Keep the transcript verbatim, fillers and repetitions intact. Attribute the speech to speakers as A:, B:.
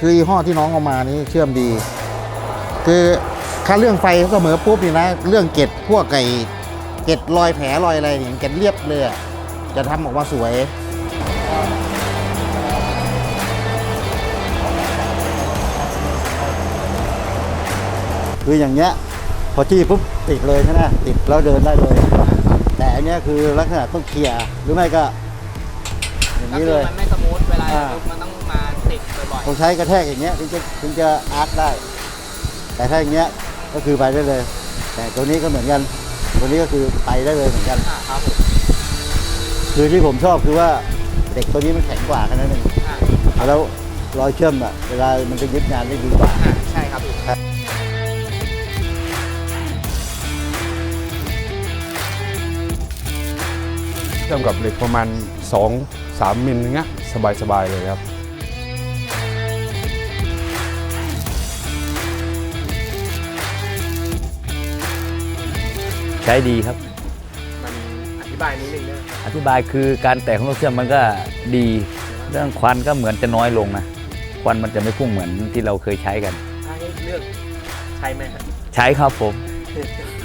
A: คือยี่ห้อที่น้องเอามานี่เชื่อมดี คือถ้าเรื่องไฟเสมอปุ๊บนี่นะเรื่องเกล็ดพวกไก่เกล็ดรอยแผลรอยอะไรเนี่ยเกล็ดเรียบเลยอะจะทำออกมาสวยคืออย่างเงี้ยพอจี้ปุ๊บติดเลยใช่ไหมติดแล้วเดินได้เลยแต่อันเนี้ยคือลักษณะต้องเคลียร์หรือไม่ก็อย่าง
B: ก็
A: นี้
B: คื
A: เล
B: อย มันไม่สมูทเวลา
A: อ่า
B: มันต้องมาติดบ่อย
A: ต้องใช้กระแทกอย่างเงี้ยถึงจะถึงจะอาร์คได้ แต่ถ้าอย่างเงี้ยก็คือไปได้เลย แต่ตัวนี้ก็เหมือนกันตัวนี้ก็คือไปได้เลยเหมือนกัน
B: ๆอ่าครับผม
A: คือที่ผมชอบคือว่าเด็กตัวนี้มันแข็งกว่าแค่นั้นเอง
B: อ่า
A: แล้วรอยเชื่อมอะเวลามันจะยึดงานได้ดีกว่า
B: อ่าใช่ครับพี่
C: เชื่อมกับเหล็กประมาณ สองถึงสาม มิลอย่างเงี้ยสบายๆเลยครับ
D: ใช้ดีครับ
B: มันอธิบายนิดนึงนะ
D: อธิบายคือการแตกของลูกเชื่อมมันก็ดี เรื่องควันก็เหมือนจะน้อยลงนะควันมันจะไม่พุ่งเหมือนที่เราเคยใช้กัน
B: ถ้าให้เลือกใช้ไหมครับ
D: ใช้ครับผม